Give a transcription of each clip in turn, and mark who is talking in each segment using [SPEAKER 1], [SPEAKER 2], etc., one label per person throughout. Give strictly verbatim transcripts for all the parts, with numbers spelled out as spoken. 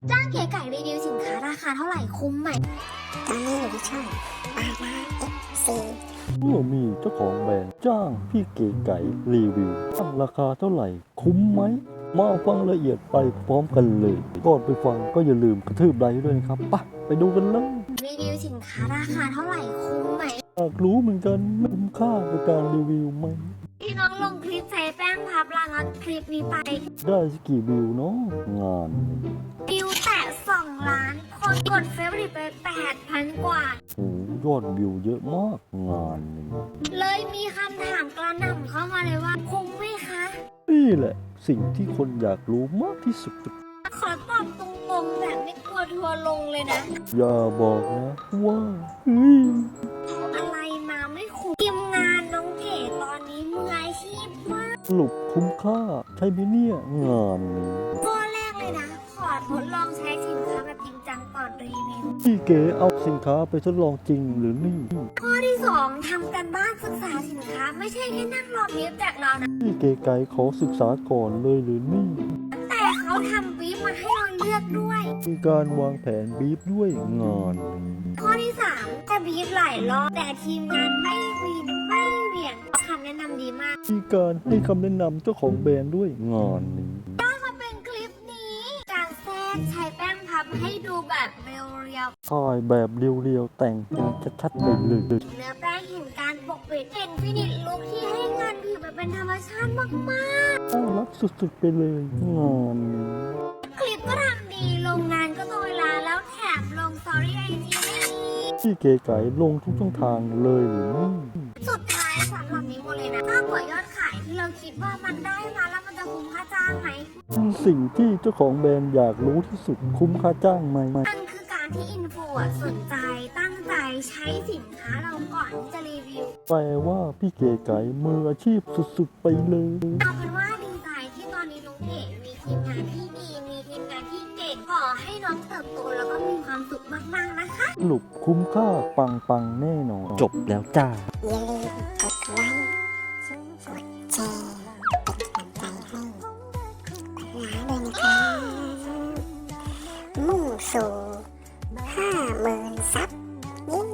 [SPEAKER 1] จ้างเก๋ไก่รีวิวสินค้าราคาเท่าไหร่คุ้มไหม
[SPEAKER 2] ตอนนี้อยู่ที่ช่องปาราเอฟซี
[SPEAKER 3] เมื่อมีเจ้าของแบรนด์จ้างพี่เก๋ไก่รีวิวตั้งราคาเท่าไหร่คุ้มไหมมาฟังละเอียดไปพร้อมกันเลยก่อนไปฟังก็อย่าลืมกระทืบไลค์ด้วยนะครับไปไปดูกันเลย
[SPEAKER 1] รีวิวสินค้าราคาเท่าไหร่คุ้มไหม
[SPEAKER 3] อยากรู้เหมือนกันคุ้มค่ากับการรีวิวไหม
[SPEAKER 1] พี่น้องลงคลิปใช้แป้งพับลานัดคลิปนี้ไป
[SPEAKER 3] ได้สักกี่วิวเนาะงาน
[SPEAKER 1] วิวแตะสองล้านคนกดเฟซบุ๊กไปแปดพันกว่า
[SPEAKER 3] โอ้ยอดวิวเยอะมากงานนี้
[SPEAKER 1] เลยมีคำถามกระหน่ำเข้ามาเลยว่าคุ้มไหมคะ
[SPEAKER 3] นี่แหละสิ่งที่คนอยากรู้มากที่สุด
[SPEAKER 1] ขอตอบตรงๆแบบไม่กลัวทัวร์ลงเลยนะ
[SPEAKER 3] อย่าบอกนะว่าเฮ้ย
[SPEAKER 1] อะไรมาไม่คุ้มทีมงานน้องเก๋ตอนนี้มืออาชีพมาก
[SPEAKER 3] สรุปคุ้มค่าใช่ไหมเนี่ยงานนี้
[SPEAKER 1] ข้อแรกเลยนะขอทดลองใช้สินค้าแบบจริงจังก่อนรีวิว
[SPEAKER 3] พี่เก๋เอาสินค้าไปทดลองจริงหรือนี่
[SPEAKER 1] ข้อที่สองทำกันบ้านศึกษาสินค้าไม่ใช่แค่นั่งรอบีฟจากเรานะ
[SPEAKER 3] พี่เก๋ไก่ขอศึกษาก่อนเลยหรือนี่
[SPEAKER 1] แต่เขาทำบีฟมาให้เราเลือกด้วย
[SPEAKER 3] มีการวางแผนบีฟด้วยงานนี้
[SPEAKER 1] ข้อที่สามจะบีฟหลายรอบแต่ทีมงานไม่วีนไม่เหวี่ยงคำแนะนำดีมาก
[SPEAKER 3] มีการให้คำแนะนำเจ้าของแบรนด์ด้วยงานนี้
[SPEAKER 1] ถ้าเขาเป็นคลิปนี้การแทรกใช้แป้งพับให้ดูแบบเรียว
[SPEAKER 3] ๆถ่ายแบบเรียวๆแต่งอย่างชัดๆไปเลย
[SPEAKER 1] เนื้อแป้งเห็นการปกปิดเห็นฟินิชลุคที่ให้งานผิวแบบเป็นธรรมชาติมาก
[SPEAKER 3] ๆน่ารักสุดๆไปเลยงานนี้
[SPEAKER 1] คลิปก็ทำดีลงนานก็ตรงเวลาแล้วแถมลงสตอรี่ไอจี
[SPEAKER 3] พี่เก๋ไก่ลงทุกช่องทางเลยหรือนี่
[SPEAKER 1] สุดท้ายสำหรับนี้หมดเลยนะมากกว่ายอดขายที่เราคิดว่ามันได้มาแล้วมันจะคุ้มค่าจ้างไหม
[SPEAKER 3] สิ่งที่เจ้าของแบรนด์อยากรู้ที่สุดคุ้มค่าจ้างไหม
[SPEAKER 1] นั่นคือการที่อินฟูสนใจตั้งใจใช้สินค้าเราก่อนที่จะรีวิว
[SPEAKER 3] แปลว่าพี่เก๋ไก่มืออาชีพสุดๆไปเลย
[SPEAKER 1] เอาเป็นว่าดีใจที่ตอนนี้น้องเก๋มีทีมงานที่ดีมีทีมงานที่เก่งขอให้น้องเติบโตแล้วก็มีความสุขมากๆนะคะ
[SPEAKER 3] สรุปคุ้มค่าปังๆแน่นอนจบแล้วจ้า
[SPEAKER 2] อย่าลืมกดไลค์กดแชร์เป็นกำลังใจให้ปาราด้วยนะครับมุ่งสู่ห้าหมื่นซับเย้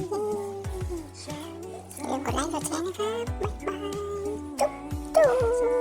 [SPEAKER 2] อย่าลืมกดไลค์กดแชร์นะครับบ๊ายบายจุ๊บจุ๊บ